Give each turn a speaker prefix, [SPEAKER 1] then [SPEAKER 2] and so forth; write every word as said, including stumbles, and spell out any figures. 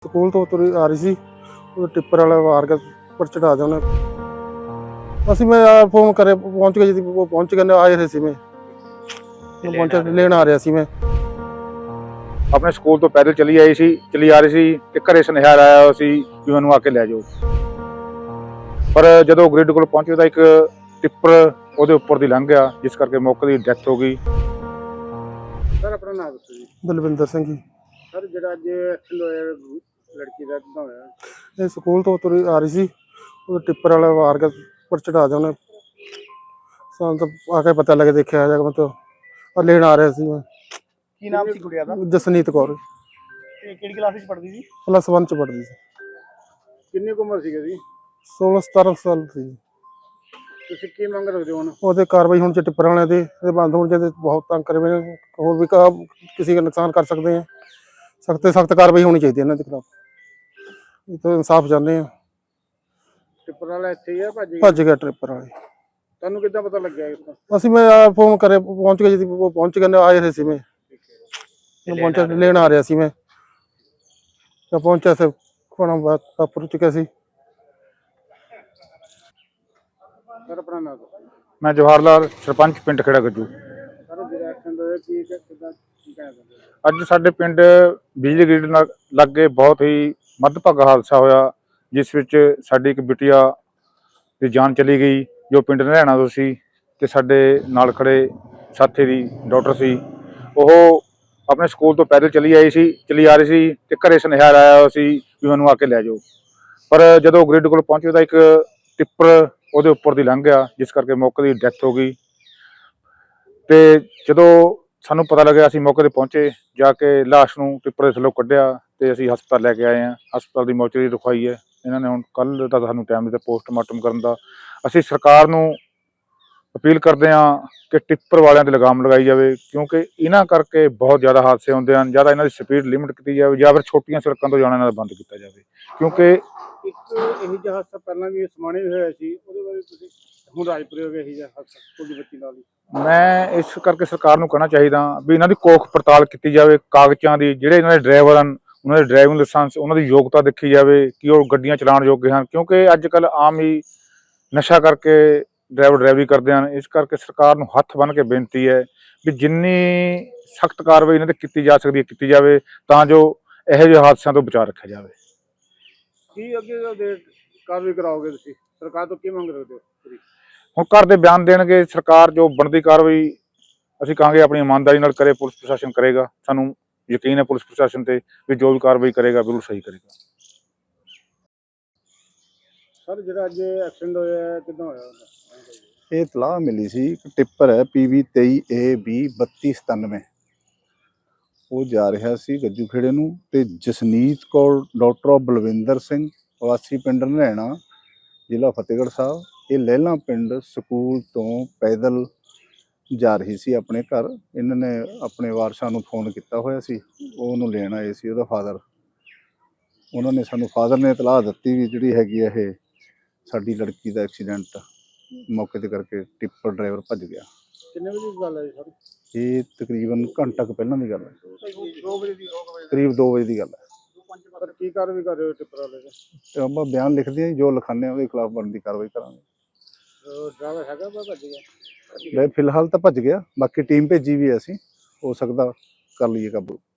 [SPEAKER 1] School ਤੋਂ ਤੁਰੀ ਆ ਰਹੀ ਸੀ, ਉਹ ਟਿੱਪਰ ਵਾਲਾ ਵਾਰ ਕੇ ਉੱਪਰ ਚੜਾ ਦਿਆ ਉਹਨੇ। ਅਸੀਂ ਮੈਂ ਆ ਫੋਨ ਕਰੇ ਪਹੁੰਚ ਗਏ ਜੀ, ਉਹ ਪਹੁੰਚ ਗਏ ਨੇ, ਆਏ ਰਹੇ ਸੀ ਮੈਂ ਪਹੁੰਚਿਆ ਲੈਣ ਆ ਰਿਹਾ ਸੀ ਮੈਂ।
[SPEAKER 2] ਆਪਣੇ ਸਕੂਲ ਤੋਂ ਪੈਦਲ ਚਲੀ ਆਈ ਸੀ ਚਲੀ ਆ ਰਹੀ ਸੀ ਤੇ ਘਰੇ ਸੁਨੇਹਾ ਆਇਆ ਹੋਇਆ ਸੀ ਵੀ ਮੈਨੂੰ ਆ ਕੇ ਲੈ ਜਾਓ। ਪਰ ਜਦੋਂ ਗ੍ਰਿਡ ਕੋਲ ਪਹੁੰਚੇ ਤਾਂ ਇੱਕ ਟਿੱਪਰ ਉਹਦੇ ਉੱਪਰ ਦੀ ਲੰਘ ਗਿਆ, ਜਿਸ ਕਰਕੇ ਮੌਕੇ ਦੀ ਡੈਥ ਹੋ ਗਈ।
[SPEAKER 3] ਸਰ ਆਪਣਾ ਨਾਮ ਦੱਸੋ ਜੀ।
[SPEAKER 1] ਬਲਵਿੰਦਰ ਸਿੰਘ ਜੀ।
[SPEAKER 3] ਸਰ ਜਿਹੜਾ ਅੱਜ ਐਕਸੀਡੈਂਟ ਹੋਇਆ ਲੜਕੀ ਦਾ ਕਿੱਦਾਂ ਹੋਇਆ?
[SPEAKER 1] ਇਹ ਸਕੂਲ ਤੋਂ ਤੁਰੀ ਆ ਰਹੀ ਸੀ, ਉਹ ਟਿੱਪਰ ਵਾਲਾ ਵਾਰ ਕੇ ਉੱਪਰ ਚੜਾ ਦਿਆ ਉਹਨੇ। ਸਾਨੂੰ ਤਾਂ ਆ ਕੇ ਪਤਾ ਲੱਗੇ, ਦੇਖਿਆ ਜਾ ਮਤਲਬ ਲੈਣ ਆ ਰਿਹਾ ਸੀ ਮੈਂ।
[SPEAKER 3] ਕੀ ਨਾਮ ਸੀ ਕੁੜੀਆ ਦਾ?
[SPEAKER 1] ਜਸਨੀਤ ਕੌਰ।
[SPEAKER 3] ਤੇ ਕਿਹੜੀ ਕਲਾਸ ਵਿੱਚ ਪੜ੍ਹਦੀ ਸੀ?
[SPEAKER 1] ਪਲੱਸ ਵਨ ਚ ਪੜ੍ਹਦੀ ਸੀ।
[SPEAKER 3] ਕਿੰਨੀ ਕੁ ਉਮਰ ਸੀਗੀ ਜੀ?
[SPEAKER 1] ਸੋਲਾਂ ਸਤਾਰਾਂ ਸਾਲ ਸੀ।
[SPEAKER 3] ਤੁਸੀਂ ਕੀ ਮੰਗ ਰੱਖਦੇ ਹੋ ਹੁਣ?
[SPEAKER 1] ਉਹਦੇ ਕਾਰਵਾਈ ਹੁਣ ਚ ਟਿੱਪਰ ਵਾਲਿਆਂ ਦੇ ਇਹ ਬੰਦ ਹੋਣ ਚਾਹੀਦੇ, ਬਹੁਤ ਤੰਗ ਕਰੇ ਹੋਏ ਨੇ। ਹੋਰ ਵੀ ਕਾ ਕਿਸੇ ਦਾ ਨੁਕਸਾਨ ਕਰ ਸਕਦੇ ਆ, ਸਖਤ ਤੋਂ ਸਖਤ ਕਾਰਵਾਈ ਹੋਣੀ ਚਾਹੀਦੀ ਇਹਨਾਂ ਦੇ ਖਿਲਾਫ। ਇਹ ਤਾਂ ਇਨਸਾਫ ਚਾਹੁੰਦੇ ਆ।
[SPEAKER 3] ਟਿੱਪਰ ਵਾਲਾ ਇੱਥੇ ਹੀ ਆ, ਭੱਜ ਗਿਆ?
[SPEAKER 1] ਭੱਜ ਗਿਆ ਟਿੱਪਰ ਵਾਲੇ।
[SPEAKER 3] ਤੁਹਾਨੂੰ ਕਿੱਦਾਂ ਪਤਾ ਲੱਗਿਆ ਇਸ ਦਾ?
[SPEAKER 1] ਅਸੀਂ ਮੈਂ ਫੋਨ ਕਰੇ ਪਹੁੰਚ ਗਏ ਜੀ, ਉਹ ਪਹੁੰਚ ਗਏ ਨੇ, ਆਏ ਰਹੇ ਸੀ ਮੈਂ ਪਹੁੰਚਿਆ ਲੈਣ ਆ ਰਿਹਾ ਸੀ ਮੈਂ। ਤਾਂ ਪਹੁੰਚਿਆ ਸੀ ਖਾਣਾ ਵਾਪਰ ਚੁੱਕਿਆ ਸੀ।
[SPEAKER 3] ਸਰ ਆਪਣਾ ਨਾਮ ਦੱਸੋ।
[SPEAKER 2] ਮੈਂ ਜਵਾਹਰ ਲਾਲ, ਸਰਪੰਚ ਪਿੰਡ ਖੇੜਾ ਗੱਜੂ।
[SPEAKER 3] ਸਰ ਜਿਹੜਾ ਐਕਸੀਡੈਂਟ ਹੋਇਆ ਕੀ ਕਿੱਦਾਂ ਕੀ ਕਹਿਣਾ ਚਾਹੁੰਦੇ ਹੋ?
[SPEAKER 2] ਅੱਜ ਸਾਡੇ ਪਿੰਡ ਬਿਜਲੀ ਗ੍ਰਿਡ ਨਾਲ ਲਾਗੇ ਬਹੁਤ ਹੀ ਮੰਦਭਾਗਾ ਹਾਦਸਾ ਹੋਇਆ, ਜਿਸ ਵਿੱਚ ਸਾਡੀ ਇੱਕ ਬਿਟੀਆ ਦੀ ਜਾਨ ਚਲੀ ਗਈ, ਜੋ ਪਿੰਡ ਨਰੈਣਾ ਤੋਂ ਸੀ, ਤੇ ਸਾਡੇ ਨਾਲ ਖੜੇ ਸਾਥੀ ਦੀ ਡਾਕਟਰ ਸੀ। ਉਹ ਆਪਣੇ ਸਕੂਲ ਤੋਂ ਪੈਦਲ ਚਲੀ ਆਈ ਸੀ ਚਲੀ ਆ ਰਹੀ ਸੀ ਤੇ ਘਰੇ ਸੁਨੇਹਾ ਆਇਆ ਹੋਇਆ ਸੀ ਵੀ ਮੈਨੂੰ ਆ ਕੇ ਲੈ ਜਾਓ। ਪਰ ਜਦੋਂ ਗ੍ਰਿਡ ਕੋਲ ਪਹੁੰਚੇ ਤਾਂ ਇੱਕ ਟਿੱਪਰ ਉਹਦੇ ਉੱਪਰ ਦੀ ਲੰਘ ਗਿਆ, ਜਿਸ ਕਰਕੇ ਮੌਕੇ ਦੀ ਡੈਥ ਹੋ ਗਈ। ਤੇ ਜਦੋਂ ਸਾਨੂੰ ਪਤਾ ਲੱਗਿਆ, ਅਸੀਂ ਮੌਕੇ ਤੇ ਪਹੁੰਚੇ, ਜਾ ਕੇ ਲਾਸ਼ ਨੂੰ ਟਿੱਪਰ ਦੇ ਥੱਲੋਂ ਕੱਢਿਆ ਤੇ ਅਸੀਂ ਹਸਪਤਾਲ ਲੈ ਕੇ ਆਏ ਹਾਂ। ਹਸਪਤਾਲ ਦੀ ਮੌਚਰੀ ਰਖਵਾਈ ਹੈ ਇਹਨਾਂ ਨੇ। ਹੁਣ ਕੱਲ੍ਹ ਦਾ ਸਾਨੂੰ ਟਾਈਮ ਦਿੱਤਾ ਪੋਸਟਮਾਰਟਮ ਕਰਨ ਦਾ। ਅਸੀਂ ਸਰਕਾਰ ਨੂੰ ਅਪੀਲ ਕਰਦੇ ਹਾਂ ਕਿ ਟਿੱਪਰ ਵਾਲਿਆਂ ਤੇ ਲਗਾਮ ਲਗਾਈ ਜਾਵੇ, ਕਿਉਂਕਿ ਇਹਨਾਂ ਕਰਕੇ ਬਹੁਤ ਜ਼ਿਆਦਾ ਹਾਦਸੇ ਹੁੰਦੇ ਹਨ। ਜ਼ਿਆਦਾ ਇਹਨਾਂ ਦੀ ਸਪੀਡ ਲਿਮਿਟ ਕੀਤੀ ਜਾਵੇ, ਜਾਂ ਫਿਰ ਛੋਟੀਆਂ ਸੜਕਾਂ ਤੋਂ ਜਾਣਾ ਇਹਨਾਂ ਦਾ ਬੰਦ ਕੀਤਾ ਜਾਵੇ, ਕਿਉਂਕਿ
[SPEAKER 3] ਇੱਕ ਇਹੀ ਜਿਹਾ ਹਾਦਸਾ ਪਹਿਲਾਂ ਵੀ ਸਮਾਣੇ ਵੀ ਹੋਇਆ ਸੀ, ਉਹਦੇ ਬਾਰੇ ਤੁਸੀਂ ਹੁਣ ਰਾਜਪੁਰੇ ਹੋ ਗਿਆ ਇਹੀ ਜਿਹਾ ਹਾਦਸਾ ਤੁਹਾਡੀ ਬੱਚੀ ਨਾਲ ਹੀ।
[SPEAKER 2] ਮੈਂ ਇਸ ਕਰਕੇ ਸਰਕਾਰ ਨੂੰ ਕਹਿਣਾ ਚਾਹੀਦਾ ਵੀ ਇਹਨਾਂ ਦੀ ਕੋਖ ਪੜਤਾਲ ਕੀਤੀ ਜਾਵੇ, ਕਾਗਜ਼ਾਂ ਦੀ। ਜਿਹੜੇ ਇਹਨਾਂ ਦੇ ਡਰਾਈਵਰ ਹਨ, ਉਹਨਾਂ ਦੇ ਡਰਾਈਵਿੰਗ ਲਾਇਸੈਂਸ, ਉਹਨਾਂ ਦੀ ਯੋਗਤਾ ਦੇਖੀ ਜਾਵੇ ਕਿ ਉਹ ਗੱਡੀਆਂ ਚਲਾਉਣ ਯੋਗ ਹਨ, ਕਿਉਂਕਿ ਅੱਜ ਕੱਲ੍ਹ ਆਮ ਹੀ ਨਸ਼ਾ ਕਰਕੇ ਡਰਾਈਵਰ ਡਰਾਈਵਰੀ ਕਰਦੇ ਹਨ। ਇਸ ਕਰਕੇ ਸਰਕਾਰ ਨੂੰ ਹੱਥ ਬੰਨ੍ਹ ਕੇ ਬੇਨਤੀ ਹੈ ਵੀ ਜਿੰਨੀ ਸਖਤ ਕਾਰਵਾਈ ਇਹਨਾਂ 'ਤੇ ਕੀਤੀ ਜਾ ਸਕਦੀ ਹੈ ਕੀਤੀ ਜਾਵੇ, ਤਾਂ ਜੋ ਇਹੋ ਜਿਹੇ ਹਾਦਸਿਆਂ ਤੋਂ ਬਚਾਅ ਰੱਖਿਆ ਜਾਵੇ।
[SPEAKER 3] ਕੀ ਅੱਗੇ ਕਾਰਵਾਈ ਕਰਾਓਗੇ ਤੁਸੀਂ? ਸਰਕਾਰ ਤੋਂ ਕੀ ਮੰਗ ਰੱਖਦੇ ਹੋ?
[SPEAKER 2] ਹੁਣ ਘਰ ਦੇ ਬਿਆਨ ਦੇਣਗੇ, ਸਰਕਾਰ ਜੋ ਬਣਦੀ ਕਾਰਵਾਈ ਅਸੀਂ ਕਹਾਂਗੇ ਆਪਣੀ ਇਮਾਨਦਾਰੀ ਨਾਲ ਕਰੇ। ਪੁਲਿਸ ਪ੍ਰਸ਼ਾਸਨ ਕਰੇਗਾ, ਸਾਨੂੰ ਯਕੀਨ ਹੈ ਪੁਲਿਸ ਪ੍ਰਸ਼ਾਸਨ ਤੇ ਵੀ ਜੋ ਵੀ ਕਾਰਵਾਈ ਕਰੇਗਾ ਬਿਲਕੁਲ ਸਹੀ ਕਰੇਗਾ।
[SPEAKER 3] ਸਰ ਜਿਹੜਾ ਅੱਜ ਐਕਸੀਡੈਂਟ ਹੋਇਆ ਕਿੱਦਾਂ ਹੋਇਆ?
[SPEAKER 4] ਇਹ ਇਤਲਾਹ ਮਿਲੀ ਸੀ, ਇੱਕ ਟਿੱਪਰ ਹੈ ਪੀ ਵੀ ਤੇਈ ਏ ਵੀਹ ਬੱਤੀ ਸਤਾਨਵੇਂ, ਉਹ ਜਾ ਰਿਹਾ ਸੀ ਗੱਜੂ ਖੇੜੇ ਨੂੰ, ਤੇ ਜਸਨੀਤ ਕੌਰ ਡਾਕਟਰ ਬਲਵਿੰਦਰ ਸਿੰਘ ਵਾਸੀ ਪਿੰਡ ਨਰੈਣਾ, ਜ਼ਿਲ੍ਹਾ ਫਤਿਹਗੜ੍ਹ ਸਾਹਿਬ, ਇਹ ਲਹਿਲਾਂ ਪਿੰਡ ਸਕੂਲ ਤੋਂ ਪੈਦਲ ਜਾ ਰਹੀ ਸੀ ਆਪਣੇ ਘਰ। ਇਹਨਾਂ ਨੇ ਆਪਣੇ ਵਾਰਸਾਂ ਨੂੰ ਫੋਨ ਕੀਤਾ ਹੋਇਆ ਸੀ, ਉਹ ਉਹਨੂੰ ਲੈਣ ਆਏ ਸੀ, ਉਹਦਾ ਫਾਦਰ। ਉਹਨਾਂ ਨੇ ਸਾਨੂੰ ਫਾਦਰ ਨੇ ਇਤਲਾਹ ਦਿੱਤੀ ਵੀ ਜਿਹੜੀ ਹੈਗੀ ਆ ਇਹ ਸਾਡੀ ਲੜਕੀ ਦਾ ਐਕਸੀਡੈਂਟ ਮੌਕੇ 'ਤੇ ਕਰਕੇ ਟਿੱਪਰ ਡਰਾਈਵਰ ਭੱਜ ਗਿਆ।
[SPEAKER 3] ਕਿੰਨੇ ਵਜੇ ਦੀ ਗੱਲ ਹੈ ਜੀ ਸਰ?
[SPEAKER 4] ਇਹ ਤਕਰੀਬਨ ਘੰਟਾ ਕੁ ਪਹਿਲਾਂ ਦੀ ਗੱਲ ਹੈ,
[SPEAKER 3] ਦੋ ਵਜੇ ਦੀ
[SPEAKER 4] ਕਰੀਬ ਦੋ ਵਜੇ ਦੀ ਗੱਲ ਹੈ।
[SPEAKER 3] ਸਰ ਕੀ ਕਾਰਵਾਈ ਕਰ ਰਹੇ ਹੋ ਟਿੱਪਰ ਵਾਲੇ ਦੇ?
[SPEAKER 4] ਤੇ ਆਪਾਂ ਬਿਆਨ ਲਿਖਦੇ ਹਾਂ, ਜੋ ਲਿਖਾਉਂਦੇ ਹਾਂ ਉਹਦੇ ਖਿਲਾਫ ਬਣਦੀ ਕਾਰਵਾਈ ਕਰਾਂਗੇ।
[SPEAKER 3] ਡਰਾਈਵਰ ਹੈਗਾ ਵਾ ਭੱਜ ਗਿਆ?
[SPEAKER 4] ਲੈ ਫਿਲਹਾਲ ਤਾਂ ਭੱਜ ਗਿਆ, ਬਾਕੀ ਟੀਮ ਭੇਜੀ ਵੀ ਹੈ ਅਸੀਂ, ਹੋ ਸਕਦਾ ਕਰ ਲਈਏ ਕਾਬੂ।